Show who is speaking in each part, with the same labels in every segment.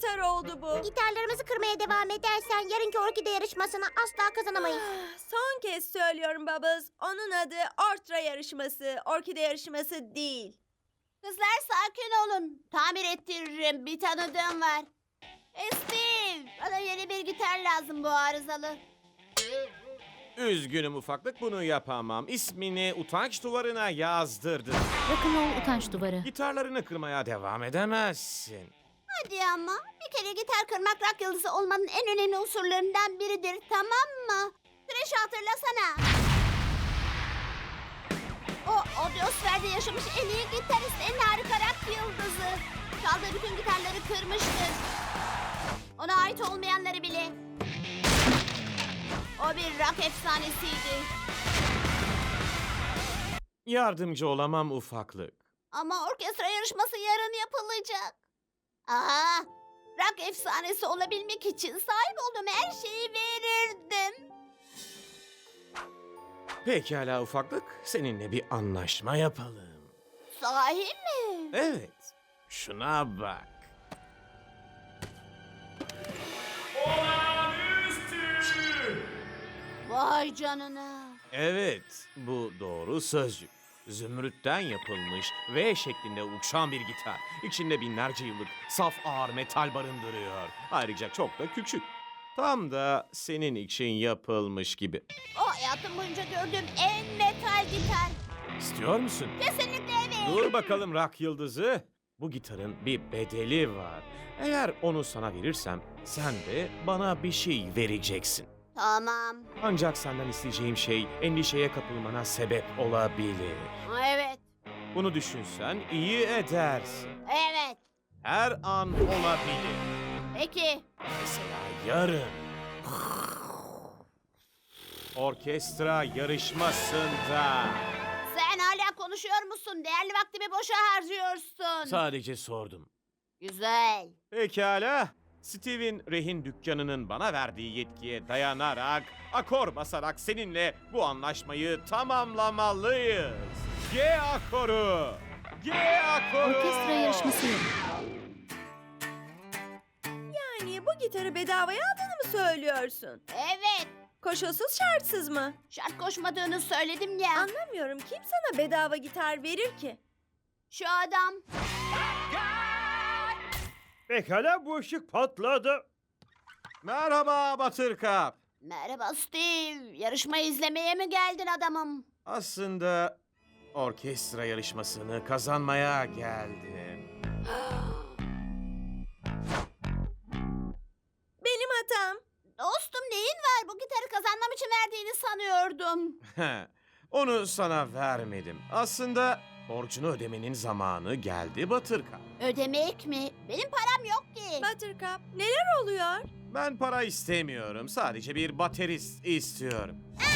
Speaker 1: gitar oldu bu.
Speaker 2: Gitarlarımızı kırmaya devam edersen yarınki orkide yarışmasını asla kazanamayız.
Speaker 1: Son kez söylüyorum Bubbles. Onun adı ortra yarışması, orkide yarışması değil.
Speaker 3: Kızlar sakin olun. Tamir ettiririm. Bir tanıdığım var. Steve, bana yeni bir gitar lazım bu arızalı.
Speaker 4: Üzgünüm ufaklık, bunu yapamam. İsmini utanç duvarına yazdırdım.
Speaker 5: Rock'n'roll utanç duvarı.
Speaker 4: Gitarlarını kırmaya devam edemezsin.
Speaker 3: Hadi ama. Bir kere gitar kırmak rock yıldızı olmanın en önemli unsurlarından biridir, tamam mı? Trash'ı hatırlasana. O Audiosfer'de yaşamış en iyi gitarist, en harika rock yıldızı. Çaldığı bütün gitarları kırmıştır. Ona ait olmayanları bile. O bir rock efsanesiydi.
Speaker 4: Yardımcı olamam ufaklık.
Speaker 3: Ama orkestra yarışması yarın yapılacak. Aa, rock efsanesi olabilmek için sahip olduğum her şeyi verirdim.
Speaker 4: Pekala ufaklık, seninle bir anlaşma yapalım.
Speaker 3: Sahi mi?
Speaker 4: Evet, şuna bak.
Speaker 3: Vay canına.
Speaker 4: Evet, bu doğru sözcük. Zümrütten yapılmış V şeklinde uçan bir gitar. İçinde binlerce yıllık saf ağır metal barındırıyor. Ayrıca çok da küçük. Tam da senin için yapılmış gibi.
Speaker 3: O hayatım boyunca gördüğüm en metal gitar.
Speaker 4: İstiyor musun?
Speaker 3: Kesinlikle evet.
Speaker 4: Dur bakalım rock yıldızı. Bu gitarın bir bedeli var. Eğer onu sana verirsem sen de bana bir şey vereceksin.
Speaker 3: Tamam.
Speaker 4: Ancak senden isteyeceğim şey endişeye kapılmana sebep olabilir.
Speaker 3: Evet.
Speaker 4: Bunu düşünsen iyi edersin.
Speaker 3: Evet.
Speaker 4: Her an olabilir.
Speaker 3: Peki.
Speaker 4: Mesela yarın. Orkestra yarışmasında.
Speaker 3: Sen hala konuşuyor musun? Değerli vaktimi boşa harcıyorsun.
Speaker 4: Sadece sordum.
Speaker 3: Güzel.
Speaker 4: Pekala. Steve'in rehin dükkanının bana verdiği yetkiye dayanarak, akor basarak seninle bu anlaşmayı tamamlamalıyız. G akoru. G akoru.
Speaker 5: Orkestra yarışması yok.
Speaker 1: Yani bu gitarı bedavaya aldığını mı söylüyorsun?
Speaker 3: Evet.
Speaker 1: Koşulsuz şartsız mı?
Speaker 3: Şart koşmadığını söyledim ya.
Speaker 1: Anlamıyorum, kim sana bedava gitar verir ki?
Speaker 3: Şu adam.
Speaker 6: Pekala, bu ışık patladı.
Speaker 4: Merhaba Buttercup.
Speaker 3: Merhaba Steve. Yarışmayı izlemeye mi geldin adamım?
Speaker 4: Aslında orkestra yarışmasını kazanmaya geldim.
Speaker 1: Benim hatam.
Speaker 3: Dostum neyin var? Bu gitarı kazanmam için verdiğini sanıyordum.
Speaker 4: Onu sana vermedim. Aslında borcunu ödemenin zamanı geldi Buttercup.
Speaker 3: Ödemek mi? Benim param yok ki.
Speaker 1: Buttercup, neler oluyor?
Speaker 4: Ben para istemiyorum. Sadece bir baterist istiyorum.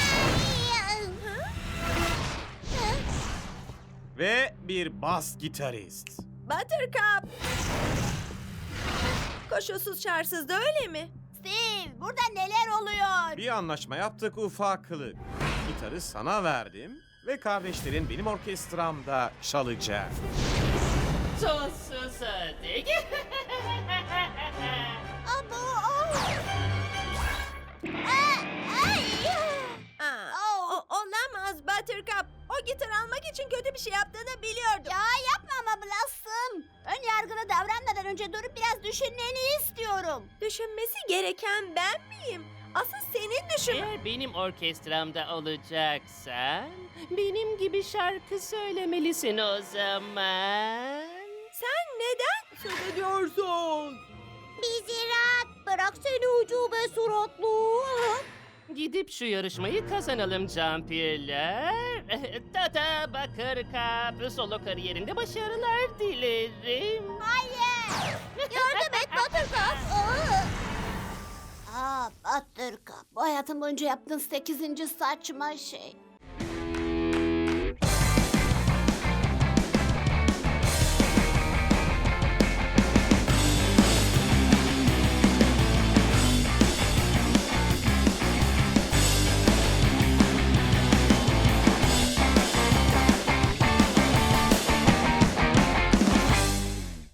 Speaker 4: Ve bir bas gitarist.
Speaker 1: Buttercup! Koşulsuz şartsız da öyle mi?
Speaker 3: Steve burada neler oluyor?
Speaker 4: Bir anlaşma yaptık ufaklık. Gitarı sana verdim ve kardeşlerin benim orkestramda çalacak.
Speaker 7: Tuzsuz ödek.
Speaker 3: Abo. Ay.
Speaker 1: Olamaz Buttercup. O gitar almak için kötü bir şey yaptığını biliyordum.
Speaker 3: Ya yapma ama Blossom. Ön yargılı davranmadan önce durup biraz düşünmeni istiyorum.
Speaker 1: Düşünmesi gereken ben miyim? Asıl senin düşün.
Speaker 7: Eğer benim orkestramda olacaksan benim gibi şarkı söylemelisin o zaman.
Speaker 1: Sen neden söz ediyorsun?
Speaker 2: Bizi rahat bırak seni ucube suratlı.
Speaker 7: Gidip şu yarışmayı kazanalım Campirler. Tata Bakırkap solo kariyerinde başarılar dilerim.
Speaker 3: Hayır. Yardım et Buttercup. Buttercup. Bu hayatım boyunca yaptığın 8. saçma şey.